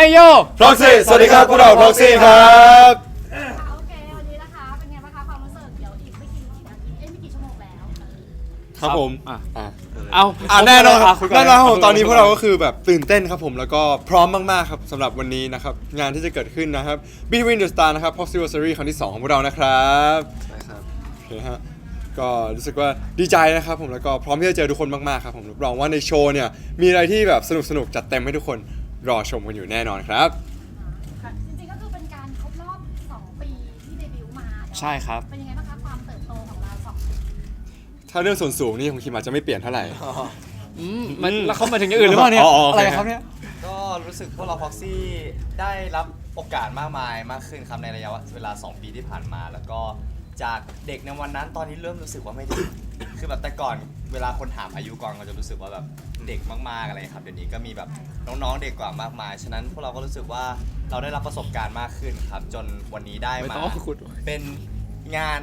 โย Proxy สวัสดีครับพวกเรา Proxy ครับโอเควันนี้นะคะเป็นไงบ้างคะความรู้สึกเดี๋ยวอีกไม่กี่นาทีไม่กี่ชั่วโมงแล้วครับผมเอาแน่นอนครับคุยก่แน่นอนครับผมคุยก่ตอนนี้พวกเราก็คือแบบตื่นเต้นครับผมแล้วก็พร้อมมากๆครับสำหรับวันนี้นะครับงานที่จะเกิดขึ้นนะครับ Between the Star นะครับ Proxy Series ครั้งที่ 2 ของพวกเรานะครับใช่ครับโอเคฮะก็รู้สึกว่าดีใจนะครับผมแล้วก็พร้อมที่จะเจอทุกคนมากๆครับผมรับรองว่าในโชว์เนี่ยมีอะไรที่แบบสนุกๆจัดเต็มให้ทุกคนรอชมกันอยู่แน่นอนครับค่ะจริงๆก็คือเป็นการครบรอบ2 ปีที่เดบิวต์มาเนอะใช่ครับเป็นยังไงบ้างคะความเติบโตของเรา2 ปีถ้าเรื่องส่วนสูงนี่ของคิมอาจจะไม่เปลี่ยนเท่าไหร่มันแล้วเขามาถึงอย่างอื่นหรือเปล่าเนี่ยอ๋อโอเคอะไรครับเนี่ยก็รู้สึกพวกเรา Proxy ได้รับโอกาสมากมายมากขึ้นครับในระยะเวลา 2 ปีที่ผ่านมา แล้วก็จากเด็กในวันนั้นตอนนี้เริ่มรู้สึกว่าไม่เด็ก คือแบบแต่ก่อนเวลาคนถามอายุก่อนก็จะรู้สึกว่าแบบเด็กมากๆอะไรครับเดี๋ยวนี้ก็มีแบบน้องๆเด็กกว่ามากมายฉะนั้นพวกเราก็รู้สึกว่าเราได้รับประสบการณ์มากขึ้นครับจนวันนี้ได้ไม่มาต้องขุดเป็นงาน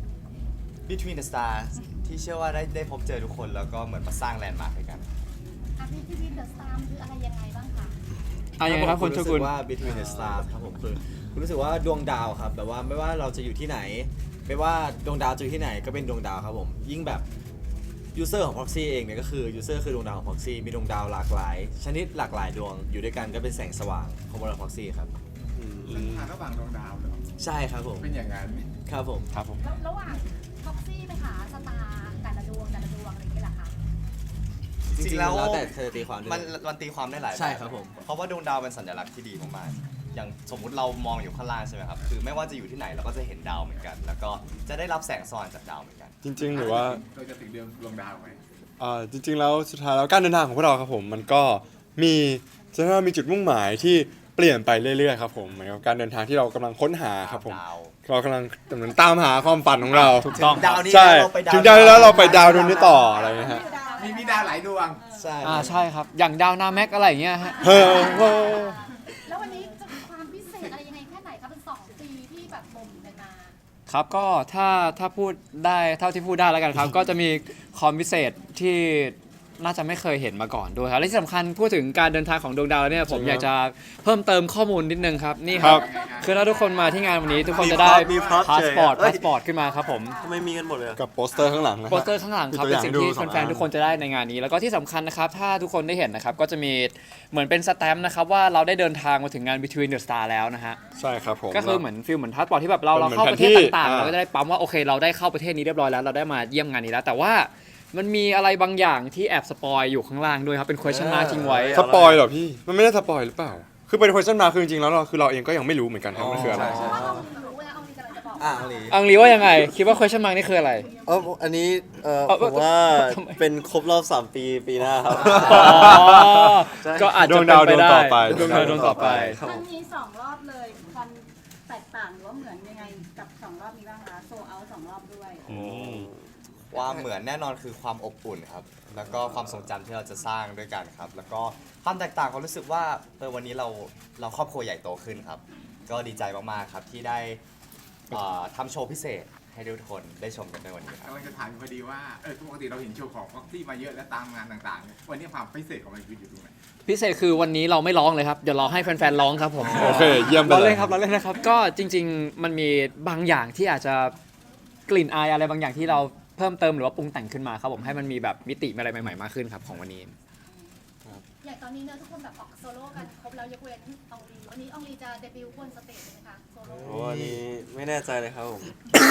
Between the Stars ที่เชื่อว่าได้พบเจอทุกคนแล้วก็เหมือนมาสร้างแลนด์มาร์คด้วยกันอาร์พีทีเดอะสตาร์คืออะไรยังไงบ้างคะยังไงครับคุณโชรู้กุสึนกว่า Between the Stars ครับผมคือคุณรู้สึกว่าดวงดาวครับแบบว่าไม่ว่าเราจะอยู่ที่ไหน ไม่ว่าดวงดาวจะอยู่ที่ไหนก็เป็นดวงดาวครับผมยิ่งแบบยูเซอร์ของ Proxy เองเนี่ยก็คือยูเซอร์คือดวงดาวของ Proxy มีดวงดาวหลากหลาย ชนิดหลากหลายดวงอยู่ด้วยกันก็เป็นแสงสว่างของบริษัท Proxy ครับซึ่งทางระหว่างดวงดาวเหรอใช่ครับผมเป็นอย่างนั้นครับผมครับผมแล้วระหว่างท็อกซี่ไปหาสตาร์แต่ละดวงอะไรอย่างเงี้ยเหรอคะจริงๆแล้วแต่เธอตีความด้วยมันตีความได้หลายแบบใช่ครับผมเพราะว่าดวงดาวเป็นสัญลักษณ์ที่ดีมากๆอย่างสมมุติเรามองอยู่ข้างล่างใช่ไหมครับคือไม่ว่าจะอยู่ที่ไหนเราก็จะเห็นดาวเหมือนกัน แล้วก็จะได้รับแสงสว่างจากดาวเหมือนกันจริงๆหรือว่าเราจะถึงดวงดาวไหมจริงๆแล้วสุดท้ายแล้วการเดินทางของพวกเราครับผมมันก็มีจะว่ามีจุดมุ่งหมายที่เปลี่ยนไปเรื่อยๆครับผมเหมือนกับการเดินทางที่เรากำลังค้นหาครับผมดาวเรากำลังเหมือนตามหาความฝันของเราถูกต้องดาวนี้ใช่เราไปดาวถึงดาวนี้แล้วเราไปดาวดวงนี้ต่ออะไรเงี้ยฮะมีดาวหลายดวงใช่ใช่ครับ อย่างดาวนาแม็กอะไรอย่างเงี้ยฮะเฮ้อแล้ววันนี้จะมีความพิเศษอะไรยังไงแค่ไหนคะเป็น2 ปีที่แบบบ่มกันมาครับก็ถ้าพูดได้เท่าที่พูดได้แล้วกันครับ ก็จะมีคอมพิเศษที่น่าจะไม่เคยเห็นมาก่อนด้วยครับและที่สำคัญพูดถึงการเดินทางของดวงดาวแล้วเนี่ยผมอยากจะเพิ่มเติมข้อมูลนิดนึงครับนี่ครับ คือถ้าทุกคนมาที่งานวันนี้ทุกคนจะได้มีพร็อพพาสปอร์ตเฉยพาสปอร์ตขึ้นมาครับผมทำไมมีกันหมดเลยอะกับโปสเตอร์ข้างหลังนะโปสเตอร์ข้างหลังครับมีตัวเป็นสิ่งอย่างที่ให้ดูสองแฟนอันๆทุกคนจะได้ในงานนี้ แล้วก็ที่สำคัญนะครับถ้าทุกคนได้เห็นนะครับก็จะมีเหมือนเป็นสแตมป์นะครับว่าเราได้เดินทางมาถึงงาน Between the Star แล้วนะฮะใช่ครับผมก็คือเหมือนฟิลเหมือนพาสปอร์ตที่แบบเราเป็นเหมือนเข้าประเทศแผนที่ต่างๆอ่าเราก็จะได้ปั๊มว่าโอเคเราได้เข้าประเทศนี้เรียบร้อยแล้วเราได้มาเยี่ยมงานนี้แล้ว แต่ว่ามันมีอะไรบางอย่างที่แอบสปอยอยู่ข้างล่างด้วยครับเป็น question mark ทิ้งไว้สปอยเหรอพี่มันไม่ได้สปอยหรือเปล่าคือเป็น question mark คือจริงๆแล้วเราเองก็ยังไม่รู้เหมือนกันครับมันคืออะไรเพราะว่าเรารู้แล้วเอามีกำลังจะบอกอ่ะเอาลีอังลีว่ายังไงคิดว่า question mark นี่คืออะไรอันนี้เออผมว่าทำไมเป็นครบรอบ 3 ปีปีหน้าครับอ๋อก็อาจจะเป็นไปได้ดวงดาวดวงต่อไปครับมันมี2 รอบเลยความแตกต่างหรือว่าเหมือนยังไงกับ2 รอบนี้บ้างคะโซเอา2 รอบด้วยความเหมือนแน่นอนคือความอบอุ่นครับ แล้วก็ความทรงจำที่เราจะสร้างด้วยกันครับ แล้วก็ความแตกต่างความรู้สึกว่าวันนี้เราครอบครัวใหญ่โตขึ้นครับ ก็ดีใจมากๆครับที่ได้ทำโชว์พิเศษให้ทุกคนได้ชมกันในวันนี้ครับกำลังจะถามอยู่พอดีว่าปกติเราเห็นโชว์ของ Proxy มาเยอะแล้วตามงานต่างๆเนี่ยวันนี้ความพิเศษของมันอยู่ตรงไหนพิเศษคือวันนี้เราไม่ร้องเลยครับเดี๋ยวเราให้แฟนๆร้องครับผมโอเคเยี่ยมไปเราเลเล่ยนครับเราเล่นนะครับก็จริง ๆ มันมีบางอย่างที่อาจจะกลิ่นอายอะไรบางอย่างที่เราเพิ่มเติมหรือว่าปรุงแต่งขึ้นมาครับผมให้มันมีแบบมิติอะไรใหม่ๆมากขึ้นครับของวันนี้อย่างตอนนี้เนอะทุกคนแบบออกโซโล่กันครบแล้วยกเว้นอองลีวันนี้อองลีจะเดบิวต์บนสเตจไหมคะโซโล่โอ้อันนี้ไม่แน่ใจเลยครับผม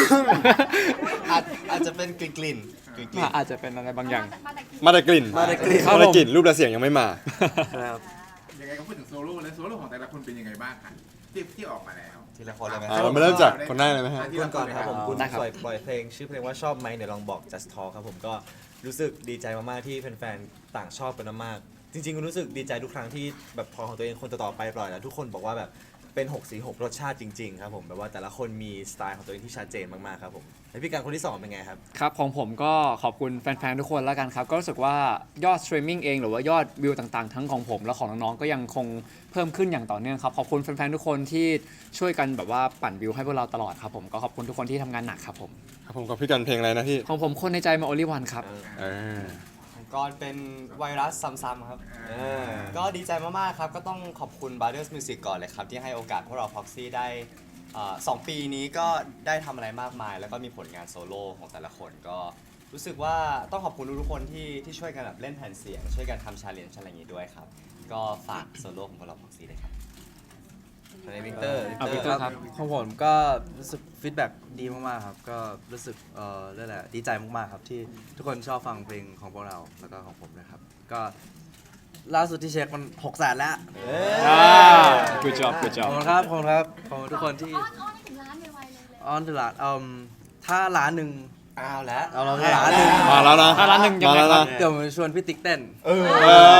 อาจจะเป็นกลิ่นอาจจะเป็นอะไรบางอย่างมาแต่กี่มาแต่กลิ่นมาแต่กลิ่นมาแต่กลิ่นรูปและเสียงยังไม่มานะครับยังไงก็พูดถึงโซโล่แล้วโซโล่ของแต่ละคนเป็นยังไงบ้างคะที่ออกมาแล้วทีละคนเลยไหมเรามาเริ่มจากคนแรกเลยไหมฮะคุณก่อนครับผมคุณได้ครับปล่อยเพลงชื่อเพลงว่าชอบไหมเดี๋ยวลองบอก just talk ครับผมก็รู้สึกดีใจมากๆที่แฟนๆต่างชอบกันมากๆจริงๆรู้สึกดีใจทุกครั้งที่แบบพอของตัวเองคนต่อๆไปปล่อยแล้วทุกคนบอกว่าแบบเป็น6 สี6รสชาติจริงๆครับผมแบบว่าแต่ละคนมีสไตล์ของตัวเองที่ชัดเจนมากๆครับผมแล้วพี่การคนที่2เป็นไงครับครับของผมก็ขอบคุณแฟนๆทุกคนแล้วกันครับก็รู้สึกว่ายอดสตรีมมิ่งเองหรือว่ายอดวิวต่างๆทั้งของผมและของน้องๆก็ยังคงเพิ่มขึ้นอย่างต่อเนื่องครับขอบคุณแฟนๆทุกคนที่ช่วยกันแบบว่าปั่นวิวให้พวกเราตลอดครับผมก็ขอบคุณทุกคนที่ทำงานหนักครับผมครับผมกับพี่กันเพลงอะไรนะพี่ของผมคนในใจมาโอลิวันครับเออของก่อนเป็นไวรัสซ้ำๆครับ ก็ดีใจมากๆครับ ก็ต้องขอบคุณ Brothers Music ก่อนเลยครับ ที่ให้โอกาสพวกเรา Proxy ได้2 ปีนี้ก็ได้ทำอะไรมากมาย แล้วก็มีผลงานโซโล่ของแต่ละคนก็รู้สึกว่าต้องขอบคุณทุกๆคนที่ช่วยกันแบบเล่นแผ่นเสียง ช่วยกันทำชาเลนจ์อะไรอย่างงี้ด้วยครับ ก็ฝากโซโล่ของพวกเรา Proxy เลยครับในวิกเตอร์วิกเตอร์ครับของผมก็รู้สึกฟีดแบ็กดีมากๆครับ ก็รู้สึกเรียกอะไรดีใจมากๆครับที่ทุกคนชอบฟังเพลงของพวกเราแล้วก็ของผมนะครับ ก็ล่าสุดที่เช็คมัน600,000แล้ว good job good ข job อบคุณครับขอบคุณครับขอบคุณทุกคนที่อ้อนให้ถึงล้านไวๆเลยออนตลาดถ้าล้านหนึ่งเอาแล้วเอาเราล้านหนึ่งมาแล้วนะถ้าร้านหนึ่งยังไงครับเดี๋ยวผมชวนพี่ติ๊กเต้นเออ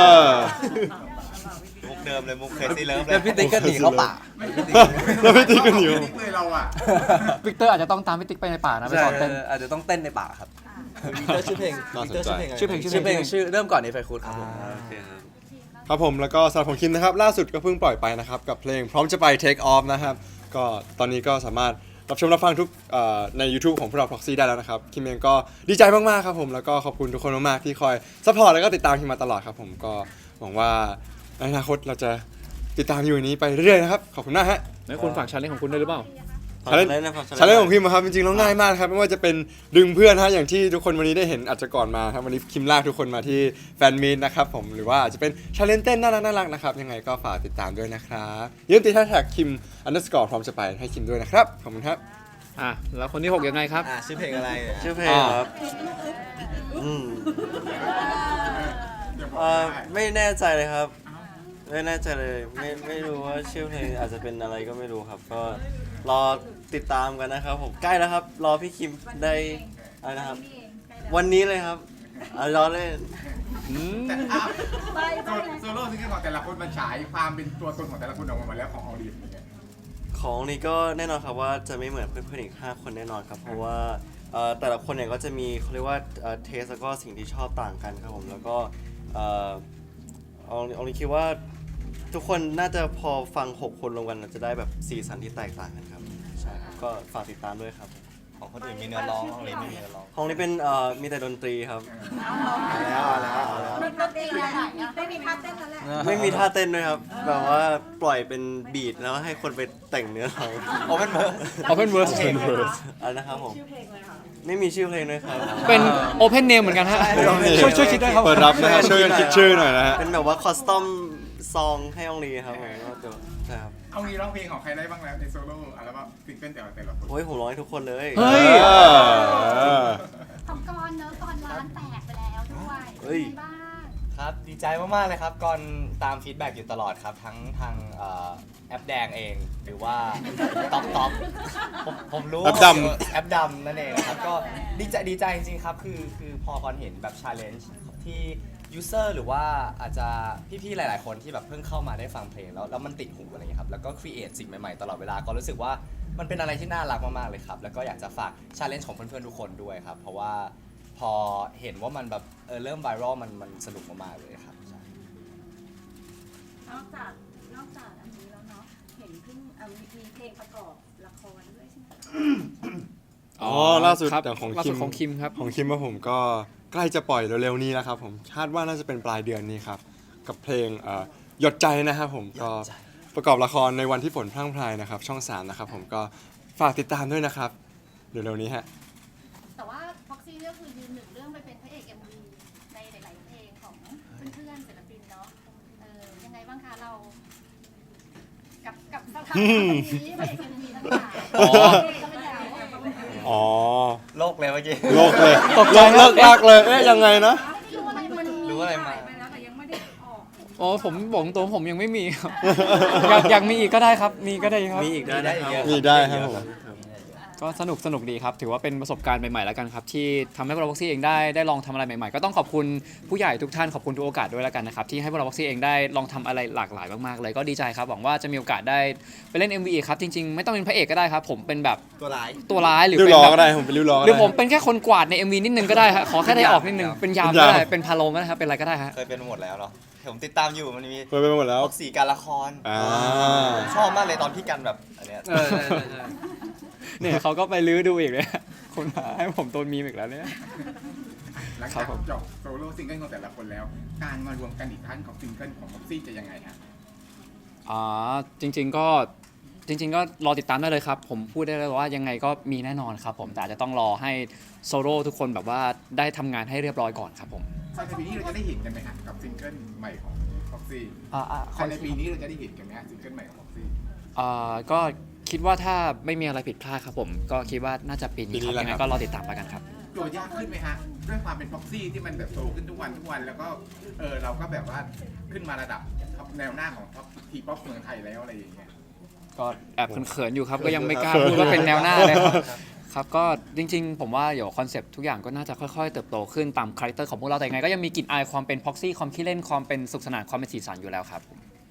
มุกเดิมเลยมุกเคซี่เลิฟเลแล้วยพี่ติ๊กก็หนีเข้าป่าแล้วพี่ติ๊กกันอยู่ติ๊กเลยเราอ่ะวิกเตอร์อาจจะต้องตามพี่ติ๊กไปในป่านะไปใช่สอนเต้นอาจจะต้องเต้นในป่าครับวิกเตอร์ชื่อเพลงน่าสนใจชื่อเพลงชื่อเพลงชื่อเริ่มก่อนในไฟคูดครับผมโอเคครับครับผมแล้วก็สำหรับของคิมนะครับล่าสุดก็เพิ่งปล่อยไปนะครับกับเพลงพร้อมจะไป Take Off นะครับก็ตอนนี้ก็สามารถรับชมรับฟังทุกใน YouTube ของพวกเรา Proxy ได้แล้วนะครับคิมเองก็ดีใจมากๆครับผมแล้วก็ขอบคุณทุกคนมากๆที่คอยซัพพอร์ตแล้วก็ติดตามคิมมาตลอดครับผมก็หวังว่าในอนาคตเราจะติดตามอยู่อย่างนี้ไปเรื่อยๆนะครับขอบคุณมากฮะแล้วคุณฝากชาเลนจ์ของคุณด้วยหรือเปล่าชาเลนจ์ชาเลนจ์ของคิมอะครับจริงๆแล้วง่ายมากครับไม่ว่าจะเป็นดึงเพื่อนฮะอย่างที่ทุกคนวันนี้ได้เห็นอาจจะก่อนมาครับวันนี้คิมลากทุกคนมาที่แฟนมีตนะครับผมหรือว่าอาจจะเป็นชาเลนจ์เต้นน่ารักๆนะครับยังไงก็ฝากติดตามด้วยนะครับอย่าลืมติดแฮชแท็กคิม_พร้อมจะไปให้คิมด้วยนะครับขอบคุณครับแล้วคนที่ 6 ยังไงครับชื่อเพลงอะไรเนี่ยชื่อเพลงครับไม่แน่ใจเลยครับ ไม่แน่ใจเลยไม่รู้ว่าชื่อเพลงอาจจะเป็นอะไรก็ไม่รู้ครับ ก็รอติดตามกันนะครับผมใกล้แล้วครับ รอพี่คิมได้อะไรนะครับ วันนี้เลยครับรอเล่นแต่โซโล่ซิงเกิลของแต่ละคนมันฉายความเป็นตัวตนของแต่ละคนออกมาแล้วของออดีนเนี่ยของนี้ก็แน่นอนครับว่าจะไม่เหมือนเพื่อนๆอีก5 คนแน่นอนครับ เพราะว่าแต่ละคนเนี่ยก็จะมีเขาเรียกว่าเทสแล้วก็สิ่งที่ชอบต่างกันครับผมแล้วก็เอานี้คิดว่าทุกคนน่าจะพอฟัง6 คนรวมกันจะได้แบบสีสันที่แตกต่างกันครับใช่ครับก็ฝากติดตามด้วยครับของคนอื่นมีเนื้อร้องของเลนไม่มีเนื้อร้องของนี้เป็นมีแต่ดนตรีครับมันเต้นอะไรไม่มีท่าเต้นแล้วแหละไม่มีท่าเต้นด้วยครับแบบว่าปล่อยเป็นบีทแล้วให้คนไปแต่งเนื้อร้อง Open Verse Open Verse Open Verse อะไรนะครับผมชื่อเพลงเลยค่ะไม่มีชื่อเพลงด้วยครับเป็น Open Name เหมือนกันฮะช่วยคิดด้วยครับเปิดรับนะฮะช่วยกันคิดชื่อหน่อยนะฮะเป็นแบบว่าคอสตอมซองให้องลีครับผมก็เดี๋ยวใช่ครับเอางี้ร้องเพลงของใครได้บ้างแล้วในโซโล่อัลบั้มซิงเกิลแต่ละคนโอ้ยผมร้องให้ทุกคนเลยเฮ้ยของกรเนอะกรล้านแตกไปแล้วด้วยเฮ้ยเป็นไงบ้างครับดีใจมากๆเลยครับก่อนตามฟีดแบ็กอยู่ตลอดครับทั้งทางแอปแดงเองหรือว่าท็อปผมรู้แอปดำแอปดำนั่นเองนะครับก็ดีใจจริงๆครับคือพอก่อนเห็นแบบชาเลนจ์ที่ยูเซอร์หรือว่าอาจจะพี่ๆหลายๆคนที่แบบเพิ่งเข้ามาได้ฟังเพลงแล้วมันติดหูอะไรอย่างเงี้ยครับแล้วก็ครีเอทสิ่งใหม่ๆตลอดเวลาก็รู้สึกว่ามันเป็นอะไรที่น่ารักมากๆเลยครับแล้วก็อยากจะฝากชาเลนจ์ของเพื่อนๆทุกคนด้วยครับเพราะว่าพอเห็นว่ามันแบบเริ่มไวรัลมันสนุกมากๆเลยครับใช่นอกจากอันนี้แล้วเนาะเห็นเพิ่งมีเพลงประกอบละครด้วยใช่ไหมอ๋อล่าสุดครับแต่ของล่าคิสุดมของคิมครับของคิมว่าผมก็ใกล้จะปล่อยเร็วๆนี้แล้วครับผมคาดว่าน่าจะเป็นปลายเดือนนี้ครับกับเพลงหยดใจนะครับผมก็ประกอบละครในวันที่ฝนพรั่งพรายนะครับช่อง 3นะครับผมก็ฝากติดตามด้วยนะครับเร็วๆนี้ฮะแต่ว่าพ็อกซี่ก็คือยืนหนึ่งเรื่องไปเป็นพระเอก MV ในหลายๆเพลงของเพื่อนๆศิลปินเนาะยังไงบ้างคะเรา กับสถานะนี้พระเอก MV ทั้งหลายอ๋อก็ไม่ได้อ๋อโลกเลยเมื่อกี้โลกเลยตกใจเลิกลากเลยเอ๊ะยังไงนะรู้อะไรมันรู้อะไรมาไปแล้วแต่ยังไม่ได้ออกอ๋อผมบอกตรงผมยังไม่มีครับ อยากมีอีกก็ได้ครับ มีก็ได้ครับมีอีกได้นะครับมีได้ครับผมก็สนุกดีครับ ถือว่าเป็นประสบการณ์ใหม่ๆแล้วกันครับ ที่ทำให้พวกเราบ็อกซี่เองได้ลองทำอะไรใหม่ๆ ก็ต้องขอบคุณผู้ใหญ่ทุกท่านขอบคุณทุกโอกาสด้วยแล้วกันนะครับ ที่ให้พวกเราบ็อกซี่เองได้ลองทำอะไรหลากหลายมากๆเลยก็ดีใจครับหวังว่าจะมีโอกาสได้ไปเล่น MV อีกครับจริงๆไม่ต้องเป็นพระเอกก็ได้ครับ ผมเป็นแบบตัวร้ายตัวร้ายหรือริ้วเป็นล้อแบบก็ได้ผมเป็นริ้วล้อก็หได้รือผมเป็นแค่คนกวาดใน MV นิดนึงก็ได้ฮะขอแค่ได้ออกนิดนึงเป็นยามก็ได้เป็นพาโลมก็ได้ครับเป็นอะไรก็ได้ฮะเคยเป็นหมดแล้วเนาะผมติดตามอยู่มันมีเคยไปหมดแล้วพวกสีการละครอ่าชอบมากเลยตอนพี่กันแบบอันเนี้ยเนี่ยเขาก็ไปลื้อดูอีกเลย คนมาให้ผมโดนมีมอีกแล้วเนี่ยหลังครัจาบกผมจบโซโล่ซิงเกิลของแต่ละคนแล้ว การมารวมกันอีกครั้งของซิงเกิลของพ็อกซี่จะยังไงฮะจริงๆก็รอติดตามได้เลยครับ ผมพูดได้เลยว่ายังไงก็มีแน่นอนครับผมแต่อาจจะต้องรอให้โซโล่ทุกคนแบบว่าได้ทำงานให้เรียบร้อยก่อนครับผมภายในปีนี้เราจะได้เห็นกันไหมฮะกับซิงเกิลใหม่ของพ็อกซี่ขอภายในปีนี้เราจะได้เห็นกันไหมฮะซิงเกิลใหม่ของพ็อกซี่ก็คิดว่าถ้าไม่มีอะไรผิดพลาดครับผม ก็คิดว่าน่าจะปีนี้ปีนี้ครับแหละยังไงครับก็รอติดตามแล้วกันครับโจทย์ยากขึ้นไหมฮะด้วยความเป็นพ็อกซี่ที่มันแบบโตขึ้นทุกวันแล้วก็เราก็แบบว่าขึ้นมาระดับท็อปแนวหน้าของท็อปทีป๊อปเมืองไทยแล้วอะไรอย่างเงี้ยก็แอบเขินๆอยู่ครับ ก็ยังไม่กล้าพูดว่าเป็นแนวหน้าเลยครับครับก็จริงๆ ผมว่าเดี๋ยวคอนเซปต์ทุกอย่างก็น่าจะค่อยๆ เติบโตขึ้นตามคาแรคเตอร์ของพวกเราแต่ยังไงก็ยังมีกลิ่นอายความเป็นพ็อกซี่ความขี้เล่นความเป็นสุขสนานความเป็นสีสันอยู่แล้วครับ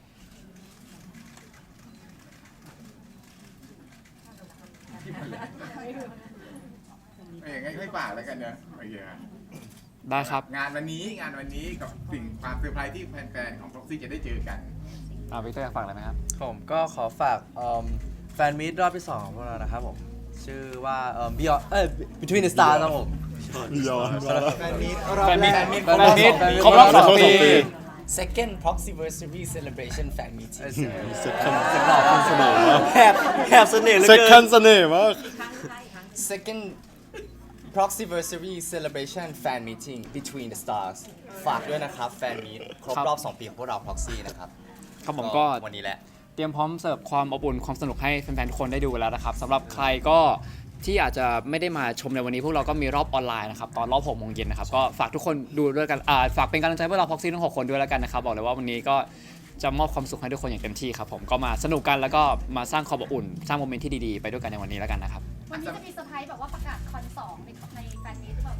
งั้นให้ฝากแล้วกันเนอะโอเคครับได้ครับงานวันนี้กับสิ่งความเซอร์ไพรส์ที่แฟนๆของพ็อกซี่จะได้เจอกันวิกเตอร์อยากฝากอะไรไหมครับผมก็ขอฝากแฟนมีตรอบที่ 2 ของพวกเรานะครับผม ชื่อว่าBeyond Between the Stars ครับผมแฟนมีตแฟนมีตแฟนมีตแฟนมีตครบรอบ2 ปี Second Proxyversary Celebration Fan Meeting เสียงหล่อคุณเสมอแหบเสน่ห์เหลือเซ็กเกิคันนเสน่ห์มาก Second Proxyversary Celebration Fan Meeting Between the Stars ฝากด้วยนะครับแฟนมีตครบรอบ 2 ปีของพวกเรา Proxy นะครับครับผมก็วันนี้แหละเตรียมพร้อมเสิร์ฟความอบอุ่นความสนุกให้แฟนๆทุกคนได้ดูแล้วนะครับสำหรับใครก็ที่อาจจะไม่ได้มาชมในวันนี้พวกเราก็มีรอบออนไลน์นะครับตอนรอบ6 โมงเย็นนะครับก็ฝากทุกคนดูด้วยกันฝากเป็นกำลังใจให้พวกเราพ็อกซี่ทั้ง6 คนด้วยแล้วกันนะครับบอกเลยว่าวันนี้ก็จะมอบความสุขให้ทุกคนอย่างเต็มที่ครับผมก็มาสนุกกันแล้วก็มาสร้างความอบอุ่นสร้างโมเมนต์ที่ดีๆไปด้วยกันในวันนี้แล้วกันนะครับวันนี้จะมีเซอร์ไพรส์แบบว่าประกาศคอน2ในแฟนมีตหรือเปล่านะ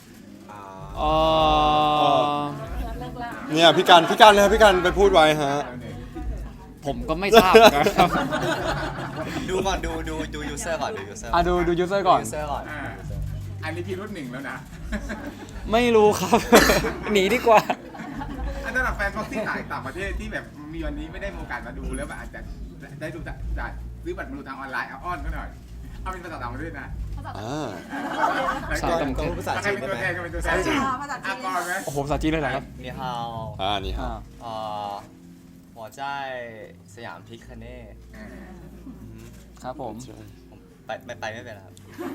เนี่ยพี่การเลยครับพี่การไปพูดไว้ฮะผมก็ไม่ทราบนะครับดูก่อนดูยูเซอร์ก่อนดูยูเซอร์ดูยูเซอร์ก่อนยูเซอร์ก่อนอันนี้พี่รุ่น 1แล้วนะไม่รู้ครับ หนีดีกว่าอันสำหรับแฟนพ็อกซี่ต่างประเทศที่แบบมีวันนี้ไม่ได้มีโอกาสมาดูแล้วแบบอาจจะได้ดูจากซื้อบัตรมาดูทางออนไลน์เอาอ้อนเขาหน่อยเอาเป็นภาษาต่างประเทศนะภาษาภาษาต่างประเทศภาษาใครจีนเป็นได้ตัวไหมแทนใครเป็นตัวแทนภาษาจีนก่อนไหมโอ้โหภาษาจีนเลยเหรอครับนี่ฮาวนี่ฮะหัวใจสยามพิคเน่ครับผมไปไม่เป็นครับ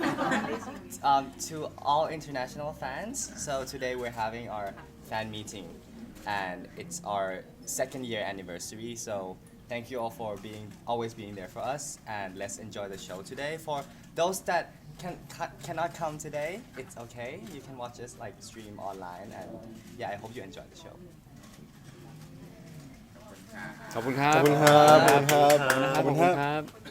To all international fans, so today we're having our fan meeting, and it's our 2nd year anniversary. So thank you all for always being there for us, and let's enjoy the show today. For those that cannot come today, it's okay. You can watch us like stream online, and yeah, I hope you enjoy the show. ขอบคุณครับขอบคุณครับขอบคุณครับ